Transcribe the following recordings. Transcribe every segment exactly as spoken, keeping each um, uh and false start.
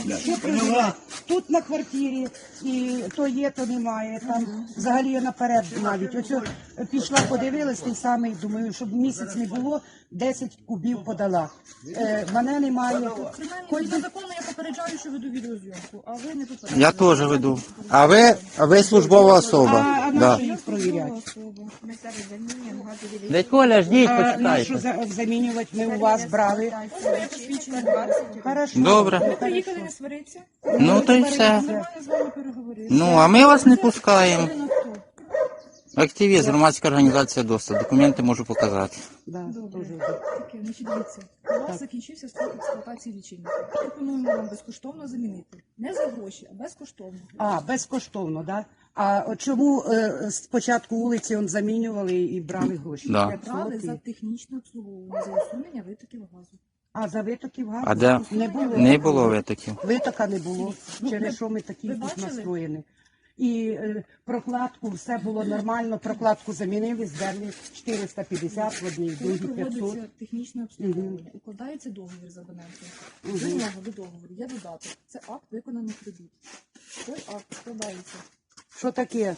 Що проживає? Тут на квартирі, і то є, то немає. Там взагалі я наперед навіть. Ось о, пішла, подивилась, той самий, думаю, щоб місяць не було, десять кубів подала. Е, мене немає. Принаймні, до закону я попереджаю, що веду відеозйомку, а ви не попереджаєте. Я теж веду. А ви, а ви службова особа. А, а Да. нащо їх провіряти? Дядь Коля, ждіть, А нащо почитайте. за- замінювати ми у вас брали? Хорошо. Добре. Ви приїхали не сваритися, Ну то й все. нормально з вами переговорити. Ну, а ми вас не пускаємо. Активіст, громадська організація ДОСТа. Документи можу показати. Да, Добре. дуже. Таке, значить, дивіться, у вас закінчився строк експлуатації лічильника. Пропонуємо вам безкоштовно замінити. Не за гроші, а безкоштовно. А, безкоштовно, да? А от чому е, спочатку вулиці он замінювали і брали гроші? Да. п'ятсот Брали і- за технічне обслуговування, за усунення витоків газу. А за витоків газу? А де? Не було. Не було витоків. Витока не було, через що ми такі ви тут бачили? настроєні. І е, прокладку, все було нормально, прокладку замінили, здерли чотириста п'ятдесят в одній, в Коли другій п'ятсот. проводиться технічне обслуговування, укладається договір з абонентом. До нього, до договору, є додаток. Це акт виконаних робіт. Той акт складається. Що таке?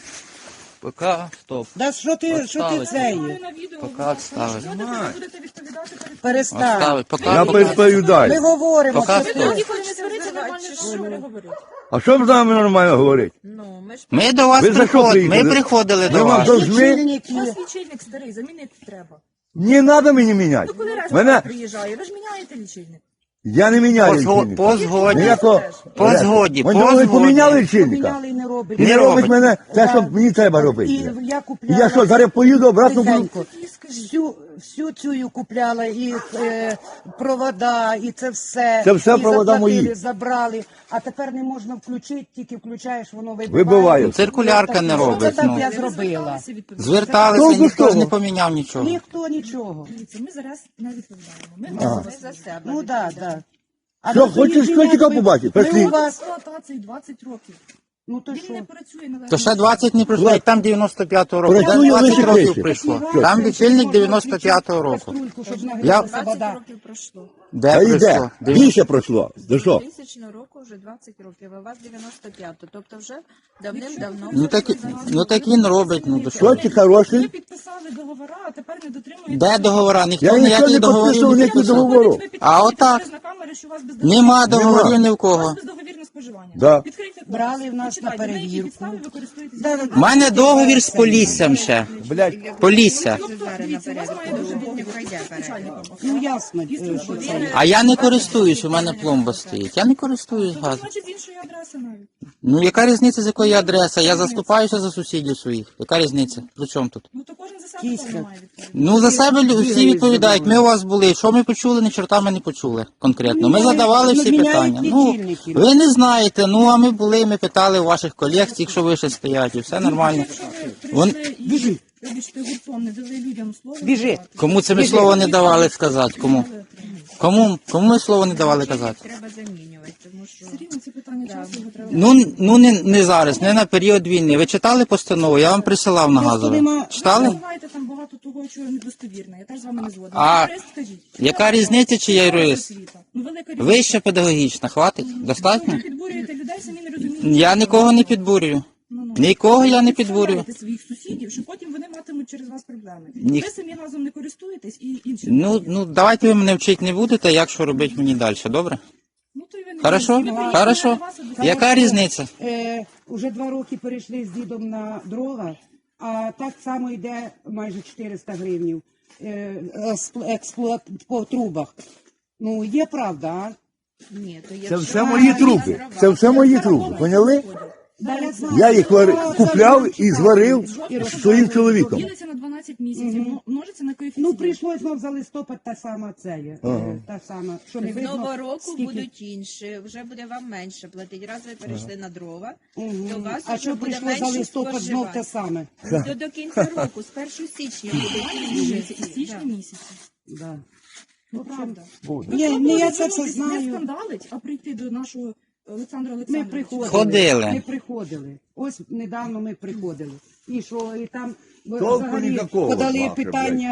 Пока, стоп. Да що ти, що ти Поставити. це Маю є? на відео, Поки будь ласка. відставити. Що тепер ви будете відповідати перед Перестань. Оставить. Пока. Я переповідаю. Ми говоримо, Поки що стоп. ти. Ніколи не свариться, нормально що переговорити. А що ви з нами нормально говорити? Ну, ми ж Ми до вас Ви за що приходили. Ми приїхали? приходили Ми до вам вас. должны... У Лічильники. вас лічильник старий, замінити треба. Не треба мені міняти. Ну коли раз Мене... приїжджає, ви ж міняєте лічильник. Я не По, міняю зго- лічильника. по згоді. Ніякого... По згоді, Вони по ви поміняли згоді. лічильника? Поміняли і не робить. І Не не робить робить. мене те, що Да. мені треба І робити. я І купляла. я що, зараз поїду обратно буду... Тихенько. Всю, всю цю купляла, і е, провода, і це все. Це все і провода заплатили, мої. забрали. А тепер не можна включити, тільки включаєш, воно вибиває. Вибиває. Циркулярка не Що робить, це так ну. я зробила? Зверталися, Толку з ніхто ж того? не поміняв нічого. Ніхто нічого. Дивіться, ми зараз не відповідаємо. Ми Ага. говоримо за себе. Ну так, так. А Що, на хочеш сьогоднішній котика день ми- побачити? ми Пішли. у вас, експлуатації двадцять років. ну то Він що? не працює належно. То ще двадцять не пройшло, як там дев'яносто п'ятого року. Працює Там двадцять лише років тисяча. прийшло. Що? Там Це лічильник можна дев'яносто п'ятого року. каструльку, щоб Я- нагрілася двадцять вода. років пройшло. Де Та йде. прийшло? Більше пройшло. За що? Тисячного року вже двадцять років, а у вас дев'яносто п'ятого. Тобто вже давним-давно. Ну так, і- ну так він робить, ну до що. Що ці Ви хороші? підписали договора, а тепер не дотримуєте. Де договора? Ніхто Я нічого ніяких не договорів підписував, не ніяких підписав. договорів. А отак. На камери, що у вас без Нема договорів ні в У кого. вас бездоговірне споживання. Да. Відкрийте кодекс. Брали в нас Почитайте, на на якій перевірку. підставі ви користуєтесь. Да, У мене договір з Поліссям ще. Блядь. Полісся. Тобто, дивіться, у вас має дуже бути начальником. Ну ясно, е, що це є. А я не користуюсь, у мене пломба стоїть. Я не користуюсь газом. Значить, з іншої адреси навіть. Ну яка різниця, з якої адреси? Я заступаюся за сусідів своїх. Яка різниця? При чому тут? Ну то кожен за себе Кіська. певно має відповідати. Ну за себе лю- всі відповідають. Ми у вас були. Що ми почули, ні чорта ми не почули конкретно. Ми задавали всі Міняють питання. Ну лічильники. ви не знаєте. Ну а ми були, ми питали у ваших колег, якщо ви ще стоять, і все нормально. Якщо ви Вон- прийшли і, вибачте, гуртом не дали людям слово. Біжи. сказати, Кому це ми слово не давали сказати? Кому? Кому? Кому ми слово не давали казати? Треба замінювати, тому що Все рівно це питання часу, його треба. Ну, ну не, не зараз, не на період війни. Ви читали постанову? Я вам присилав на Просто газове. нема- Ви Читали? називаєте там багато того, що недостовірне. Я теж з вами не згодна. А Ви юрист, скажіть. яка різниця, чи я юрист? Освіта. Ну, велика різниця. Вища педагогічна, хватить? Достатньо? Ви підбурюєте людей, самі не розумієте. Я нікого не підбурюю. Ну, ну. Нікого я не Ви підбурюю. підставляєте своїх сусідів, що потім вони матимуть через вас проблеми. Ні. Ви самі газом не користуєтесь і інші. Ну, ну давайте ви мене вчити не будете, як що робити мені далі, добре? Ну, то й ви не Хорошо? ви приїхали Хорошо. на вас, а до- Яка різниця? Е, уже два роки перейшли з дідом на дрова, а так само йде майже чотириста гривнів е, експлу- експлуат по трубах. Ну, є правда, а? ні, то Це якщо все мої труби. Це все мої труби. Поняли? Да, я знаю. Я їх вари- купляв і зварив з своїм чоловіком. Ділиться на дванадцять місяців, ну, множиться на коефіцієнт. Ну, прийшлось знов за листопад та сама це є. е, Та сама, що не з видно, нового року скільки- будуть інші, вже буде вам менше платити. Раз ви перейшли на дрова, Мгм. то у вас А вже що буде прийшло за менше листопад знов те споживання. саме? До, до кінця року, з першого січня буде Змінюється і інші. січні Да. місяці. Да. Ну, правда. Ні, Ви ні, я пробували це все звернутись, Не знаю. скандалить, а прийти до нашого Олександра Ми Олександровича. приходили. Ходили. Ми приходили. Ось недавно ми приходили. І що, і там Толку взагалі ніякого, подали нахер, питання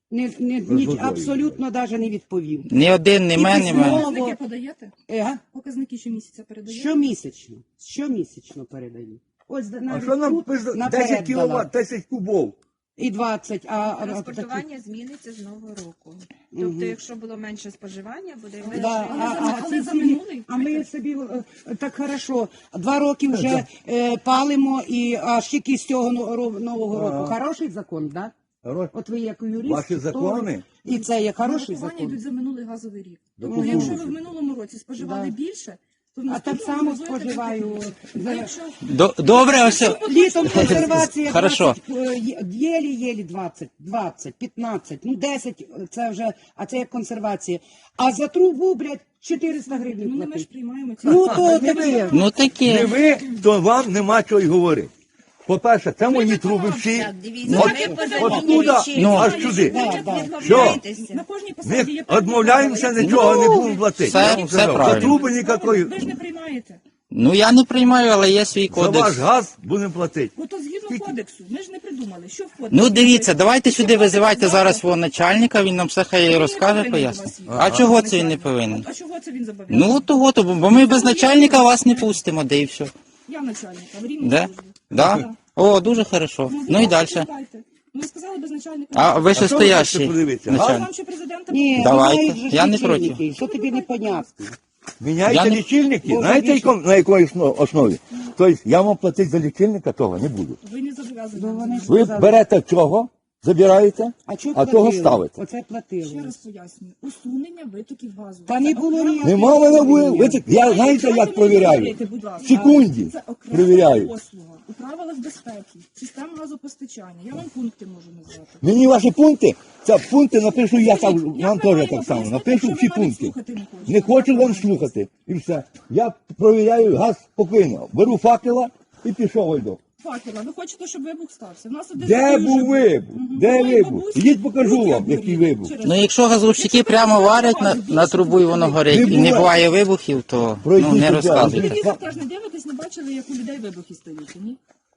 Не, не, З ні, водою. абсолютно навіть не відповів. Ні один, ні І мен, ні мен. письмо. Показники подаєте? Е, Показники щомісяця передаєте? щомісячно, щомісячно передаю. Ось А навіть що нам тут пише наперед десять дала. кіловат, десять кубов? І двадцять, а, а, а такі- Транспортування зміниться з нового року. Тобто, якщо було менше споживання, буде менше. Да, Але а, за- а, але ці за ці- минулий? а ми собі е, так хорошо, два роки вже е, палимо, і аж тільки з цього но- ро- нового року. Ага. Хороший закон, так? Хорош. От ви як юрист. Ваші хто закони? ви? І це є хороший Нарахування закон. йдуть за минулий газовий рік. Да Тобто, ну, якщо ну, ви в минулому році споживали Да. більше, то в А так наступному само ви будете споживаю. платити. А за- якщо До- Добре, ось. Літом консервація Хорошо. двадцять, е, є- єлі-єлі двадцять, двадцять, п'ятнадцять, ну десять це вже, а це як консервація. А за трубу, блядь, чотириста гривень ну, не ми ж платить. приймаємо ці Ну то Не таке. ви. Ну Не таке. ви, то вам нема чого й говорити. По-перше, це мої труби всі. Так, дивіться, От, ми поза от лінією туди, лічильника. Ну, аж сюди. Да, да. Відмовляєтеся. на кожній Ми посаді є певні відмовляємося, правила. нічого Ну, не будемо платити. все- Я вам все сказав, правильно. За труби ніякої. Ви ж не приймаєте. Ну я не приймаю, але є свій За ваш кодекс. газ будемо платити. Ну то згідно кодексу, ми ж не придумали, що в кодексі. Ну дивіться, написано. давайте Що сюди кодекс визивайте знає? зараз свого начальника, він нам все хай Він не розкаже, повинен пояснить. до вас їхати. А чого це він не повинен? А чого це він зобов'язаний? Ну того, то, бо ми без начальника вас не пустимо, де і все. Я начальник, а в рівній Де? службі. Да? О, дуже хорошо. Ну і далі. чекайте. Ну, ви сказали без начальника. А ви А ще що ви хочете стоящий подивитися? Я начальник. вам ще президента Ні, Давайте. знають же ж Я не лічильники, проти. що тобі непонятно. Міняйте Я не- лічильники. Боже, Знаєте, більше. яком- на якій основ- основі? Тобто я вам платити за лічильника того не буду. Ви не зобов'язані. Ну, вони ж Ви сказали, берете цього, забираєте, а чого а того платили? ставите. Оце Ще платили. раз пояснюю. Усунення витоків газу. Та не Це було окрема- ніяких Нема в мене усунення. ви. ви це- Я знаєте, Дайте як мені провіряю? говорити, будь ласка. В секунді Це окрема провіряю. послуга у правилах безпеки, система газопостачання. Я вам пункти можу назвати. Мені ваші пункти, це пункти напишу, я так, Як вам ви теж маєте так само. пояснити, Напишу якщо всі ви навіть пункти. слухати не хочете? Не хочу Як вам ви слухати. І все. Я провіряю газ спокійно. Беру факела і пішов йду. Факела, ви хочете, щоб вибух стався? У нас один Де такий був вже вибух? Мгм. Де Моїй вибух? бабусі Ідіть покажу руки вам, обгоріли який вибух. через Ну це. якщо газовщики прямо варять на, на трубу і воно горить, і не буває вибухів, то ну, не Пройдіть розказуйте. Телевізор теж не дивитесь, не бачили, як у людей вибухи стають, ні?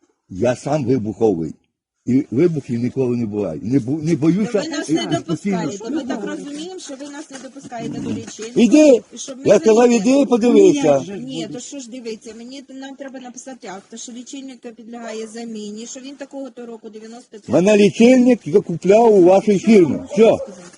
Я сам вибуховий. І вибухів ніколи не буває. Не, бу- не боюся. Ви нас і- не і постійно. допускаєте. Ми так розуміємо, що ви нас не допускаєте до лічильника. Іди, І щоб ми я сказав, заїхали. іди, подивися. Ні, то що ж дивіться, мені нам треба написати акт, що лічильник підлягає заміні, що він такого то року дев'яносто п'ять. Мене лічильник я купляв у вашій фірмі. Все.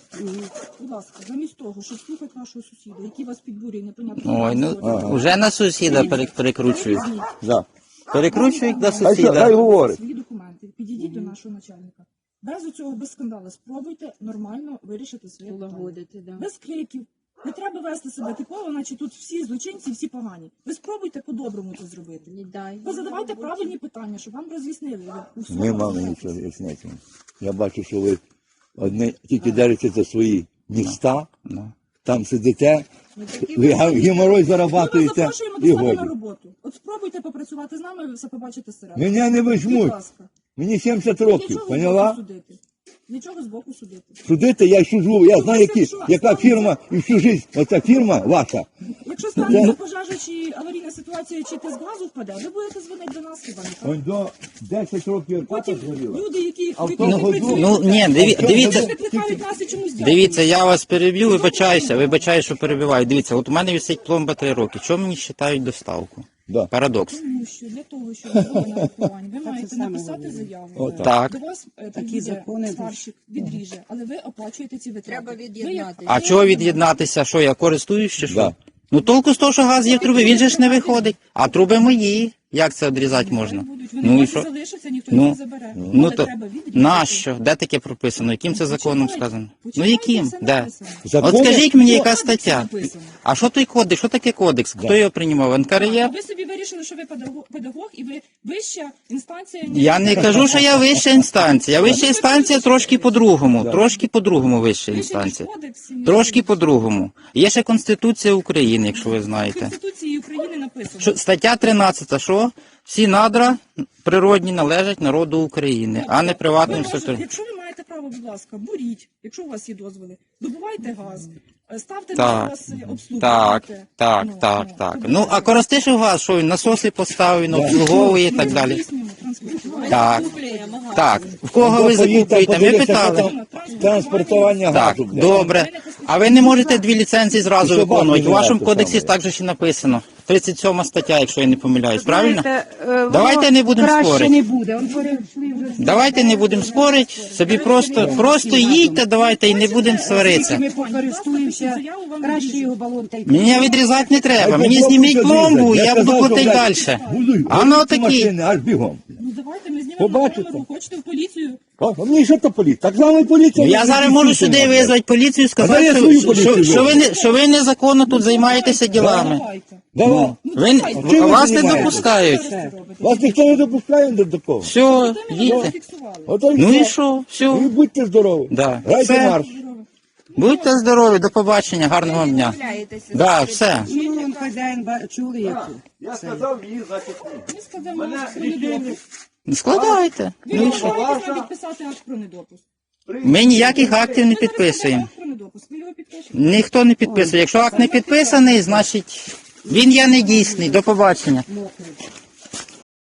Будь ласка, замість того, щоб слухати вашого сусіда, який вас підбурює, непонятно. Ой, ну Ага. вже на сусіда пере- перекручують. Да. Перекручують до Хай, що- хай сусіда. говорить. Свої документи, підійдіть до нашого начальника. Без цього, без скандалу, спробуйте нормально вирішити своє питання. Лагодити, да. Без криків. Не треба вести себе типово, наче тут всі злочинці, всі погані. Ви спробуйте по-доброму це зробити. Не дай. Ви задавайте правильні питання, щоб вам роз'яснили. Ви усі Нема мені нічого ясняти. Я бачу, що ви одне тільки держите за свої міста, Ну. там сидите, Ну, такі ви ви- га- геморой Ми вас зарабатуєте запрошуємо до і себе на годі. роботу. От спробуйте попрацювати з нами, ви все побачите середину. Мене не Будь візьмуть. ласка. Мені сімдесят років, Нічого поняла? збоку судити. Нічого збоку судити. Судити я сижу, я знаю, які, що? яка фірма і всю життя, оця фірма ваша. Якщо станеться пожежа чи аварійна ситуація, чи тиск газу впаде, ви будете дзвонити до нас хіба не так? Ось до десять років Потім хата згоріла. люди, які А в які тому году- працюють, Ну ні, диві, дивіться, викликають нас і чомусь дякують. дивіться, я вас переб'ю, вибачаюся, вибачаю, що перебиваю. Дивіться, от у мене висить пломба три роки. Чому мені вважають доставку? Да. Парадокс. Тому що для того, щоб було нарахування, ви маєте саме написати головне. заяву. Отак. Так. До вас е, Такі приїде закони сварщик, відріже, але ви оплачуєте ці витрати. Треба Ви як- від'єднатися. А чого від'єднатися? Що, я користуюсь чи що? Да. Ну толку з того, що газ є в труби, він же ж не виходить. А труби мої. Як це відрізати можна? Будуть. Вони Ну і ну, що? залишаться, ніхто Ну, їх не забере. Ну Але то треба відрізати. нащо? Де таке прописано? Яким це законом Почитайте, сказано? Ну почитайте, яким? все Де? написано. Закони- От скажіть мені, яка Кодексі стаття? написано. А що той кодекс? Що таке кодекс? Хто його приймав? А НКРЄ? ви собі вирішили, що ви педагог, педагог і ви вища інстанція. ніж- Я не кажу, що я вища інстанція. Вища інстанція трошки по-другому. Трошки по-другому вища Вища інстанція. ніж кодекс, ні. Трошки по-другому. Є ще Конституція України, якщо ви В знаєте. Конституції України написано. Що, стаття тринадцята, що всі надра природні належать народу України, а не приватним Ви можете- секторам. Якщо ви маєте право, будь ласка, буріть, якщо у вас є дозволи, добувайте газ, е, ставте Так. на вас е, обслуговуйте. Так, так, Ну, так, ну, так. добувайте. Ну, а Коростишев газ, що він насоси поставив, він обслуговує і так далі. Здійснюємо транспортування. Так. Купляємо газ. Так, в кого ви закупуєте? Ми питали. Транспортування Так, газу. блядь. добре. А ви не можете дві ліцензії зразу І собаку виконувати. У вашому не кодексі саме. також і написано. тридцять сьома стаття, якщо я не помиляюсь, правильно? Знаєте, е, Давайте воно не будемо краще спорити. не буде. Он перейшли вже. Давайте не будемо спорити, собі просто, просто їдьте, давайте і не будемо сваритися. Ми покористуємося, краще його балон та й Мені відрізати не треба, Ай, мені пломбу зніміть ще пломбу, зрізать. я буду казав, платити що, далі. блядь, будуй, А ну будуй ці такі. машини, аж бігом. Ну давайте ми знімемо Побачите. на камеру, хочете в поліцію. А, а мені що то поліція? Так само поліція. Я зараз можу сюди визвати поліцію і А сказати, я що, свою що, поліцію що, ви, не, що ви незаконно тут займаєтеся ділами. Давайте. Давай. Ви, чим ви вас не займаєтесь? допускають. Вас ніхто не допускає до такого. Все, їдьте. Фіксували. Ото Ну і все. що, все. І будьте здорові. Да. Грайте Все. марш. Будьте здорові, до побачення, гарного дня. Відмовляєтеся. Да, все. Ну, он хазяїн ба- чули, як Я сказав їй, значить. Ми складемо акт про недопуск. Складайте. Ви Ну і можете що? нам підписати акт про недопуск. Ми ніяких актів не Ви підписуємо. акт про недопуск. Ви його підпишете. Ніхто не підписує. Якщо акт не підписаний, значить він є недійсний. До побачення. мокрий.